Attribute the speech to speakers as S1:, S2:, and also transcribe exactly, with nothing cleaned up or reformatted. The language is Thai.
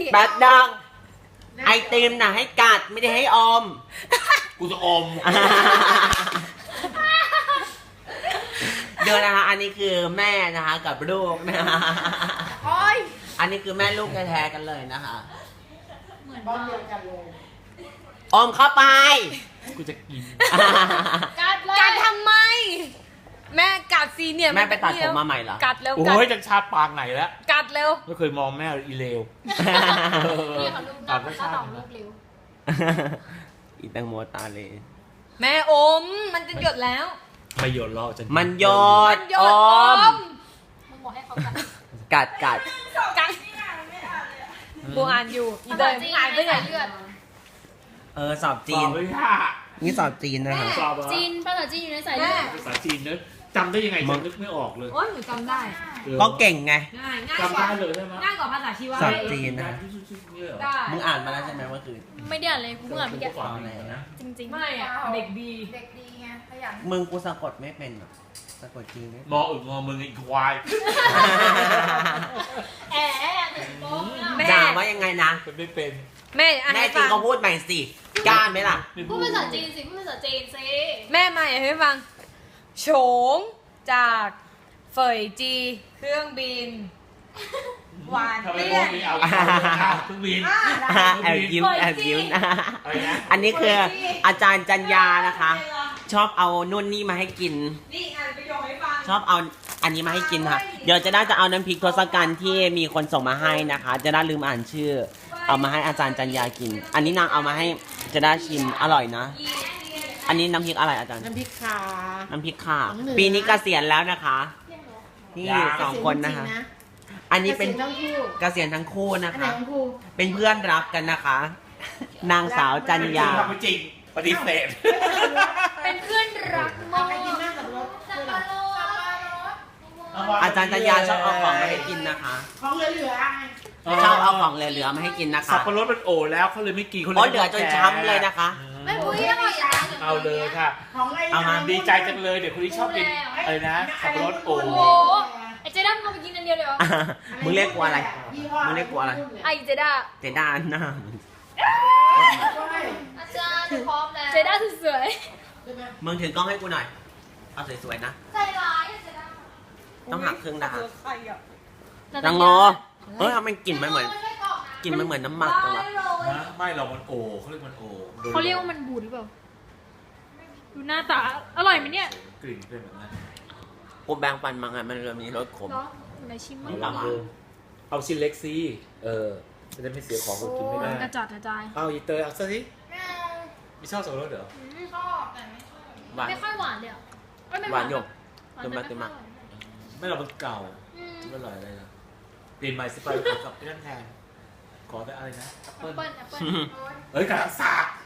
S1: แป๊ดดังไอติมน่ะให้กัดไม่ได้ให้อม
S2: กูจะอม
S1: เดี๋ยวนะคะอันนี้คือแม่นะคะกับลูกนะคะอันนี้คือแม่ลูกแท้ๆกันเลยนะคะ
S3: เหมือนบ้านเดียวกันเลย
S1: อมเข้าไป
S2: กูจะกิน
S3: กัดเลย
S4: กัดทำไม แม่กัดซีเนี่ย
S1: แม่ไปตัดผมมาใหม่เหรอ
S4: กัดเร็ว
S2: โอ้
S4: กัด
S2: ยจะชาปางไหนแล้ว
S4: กัดเร็ว
S2: ไม่เคยมองแม่อีเลว
S3: นี่เขาลูก
S2: ตั
S3: น้
S2: ด
S3: อง
S2: ไม่
S3: ก็
S2: ชา
S3: ต้องลูกเร็ว
S1: อีแตังโมตาเลย
S4: แม่อมมันจะหยดแล้ว
S2: ไม่โยนล้อจะ
S1: มันยอ
S4: มั
S1: ด
S4: นหย
S1: อ
S4: ดอ
S1: ม
S4: ม
S3: มึงบอกให้เขากัด
S1: กัดกัด
S4: กัดบูอ่านอยู่อีเด
S3: ภาษา
S4: ย์
S3: จีน
S4: หายไป
S3: ไม่
S4: ไหน
S3: ใส่เลือด
S1: เออสอบ
S2: จี
S1: จี
S2: น
S1: น
S2: ไม่ค่ะ
S1: นี่สอบจีนนะคะ
S2: สอบเหรอ
S3: จีนภาษาจีนอยู่ในสายเลือด
S2: ภาษาจีนเนอะจำได้ยังไงจำนึกไม่ออกเลย
S4: โอ้ยหนูจำได้
S2: ออ
S1: ก็เก่งไง
S4: ง่ายง่ายก
S2: จำ
S4: ว่า
S2: ได้เลยใช่ไหม
S4: ง่ายกว่าภาษาชีวะ
S1: สอบจีนนะ
S4: ได้
S1: มึงอ่านมาแล้วใช่ไหมว่าคือ
S3: ไม่ได้อ่านเลยกูเพิ่งอ่านเมื่อกี้
S2: ฟังอะไรนะ
S3: จริงๆ
S4: ไม่อะเด็กดี
S5: เด็กดีไงขยัน
S1: มึงกูสะกดไม่เป็นหรอกสะกดจีนไม่
S2: มออึกงอมึงอีกควาย
S3: แอะถึงโป๊ะเนี่ย
S4: แม่
S1: ด่าว่ายังไงนะ
S2: เป็นไม่เป็น
S4: แม่อ่าน
S1: แม่
S4: ให้
S1: จริ
S4: ฟั
S1: ง
S4: ง
S1: ก็พูดใหม่สิกล้าไหมล่ะ
S3: พูดภาษาจีนสิพูดภาษาจีนสิ
S4: แม่มาอ่านให้ฟังโฉงจากเฟยจี เครื่องบิน หวาน
S2: ทำไม
S4: เลี่
S2: พ
S4: ยว
S2: ก
S4: น
S2: นี้เอาเอาเครื่องบิน
S1: แอบยิ้มแอบยิ้มนะ
S2: อะไรนะ
S1: อันนี้คืออาจารย์จัญญานะคะ ชอบเอานู่นนี่มาให้กิน
S4: นี่อ่านประโยคให้ฟัง
S1: ชอบเอาอันนี้มาให้กินค่ะ เดี๋ยวจะได้จะเอาน้ำพริกทศกัณฐ์ที่มีคนส่งมาให้นะคะ จะได้ลืมอ่านชื่อ เอามาให้อาจารย์จัญญากิน อันนี้นางเอามาให้จะได้ชิมอร่อยนะ อันนี้น้ำพริกอะไรอาจารย์
S5: น้ำพริกขา
S1: น้ำพริกค่ะ
S5: ของเหนือ
S1: ปีนี้เกษียณแล้วนะคะนี่สองคนนะคะ อันนี้เป็น
S5: ทั้งคู่
S1: เกษียณทั้งคู่นะ
S5: อันไหน
S1: คะ
S5: ของครู
S1: เป็นเพื่อนรักกันนะคะ นางสาวจัญญา
S2: ทำไม่จริงปฏิเสธ
S3: เป็นเพื่อนรักมาก
S5: ใครกินหน้ากับรถ
S3: สับปะรด
S1: อาจารย์จัญญาชอบเอาของมาให้กินนะคะ
S5: ของเหลือๆไง
S1: ชอบเอาของเหลือๆมาให้กินนะคะ
S2: สับปะรดมันโอแล้วเขาเลยไม่กินเขาเลย
S1: โอ้เหลือจนช้ำเลยนะคะ
S3: ไม่พูดยังไง
S2: เอาเลยค่ะ
S5: ของอะไร
S1: เอามา
S2: ดีใจจังเลยเดี๋ยวคนที่ชอบกินอะไรนะสับปะรดโอ
S3: โอ้โหไอ้เจด้ามันไปกินอันเดียวเลยเหรอ
S1: มึงเรียกกูอะไร
S5: ยี่ห้อ
S1: มึงเรียกกูอะไร
S3: ไอ้เจด้า
S1: เจด้านนะ
S3: อาจารย์พร้อมแล้วเจด้าสวย
S1: มึงถือกล้องให้กูหน่อย เอาสวยๆนะ
S3: ๆใจร้ายอะเจด้า
S1: ต้องหักครึ่งนะคะ
S4: ใครอ่ะ
S1: จังโงเฮ้ยทำไมกลิ่นมันเหมือนกลิ่นมันเหมือนน้ำหมักจังวะ
S2: นะไม่หรอกมันโอเขาเรียกมันโอ
S3: เขาเรียกว่ามันบูดหรือเปล่า ดูหน้าตา อร่อยไหมเนี่ย
S2: กลิ่นเป็นแบบนั้น
S1: กูแบงฟันมาไงมันเริ่มมีรสขม
S3: เนาะไหนชิมมั้ง
S1: เอามา
S2: เอาชิ้นเล็กสิเออจะได้ไม่เสียของกูกินไม่ได้
S3: กระจัดกระจาย
S2: เอาอีเตอร์เอาซะสิไม่ชอบสับปะรดเหรอ
S5: ชอบแต่ไม่ชอบ
S1: หวาน
S3: ไม่ค่อยหวานเลยอ่ะเอ้ยไม่
S1: หวานหยก
S3: หว
S1: เติมมาเติมมา
S2: ไม่หรอกมันเก่า
S3: อืม
S2: ไม่อร่อยอะไรนะเปลี่ยนใหม่สิไปขอกับพี่นั่นแทนขอแต่อะไรนะแอป
S3: แอ
S2: เปิ้ล
S3: ปเปิ้ลแอปเปิ้ล
S2: เฮ้ยกระสัก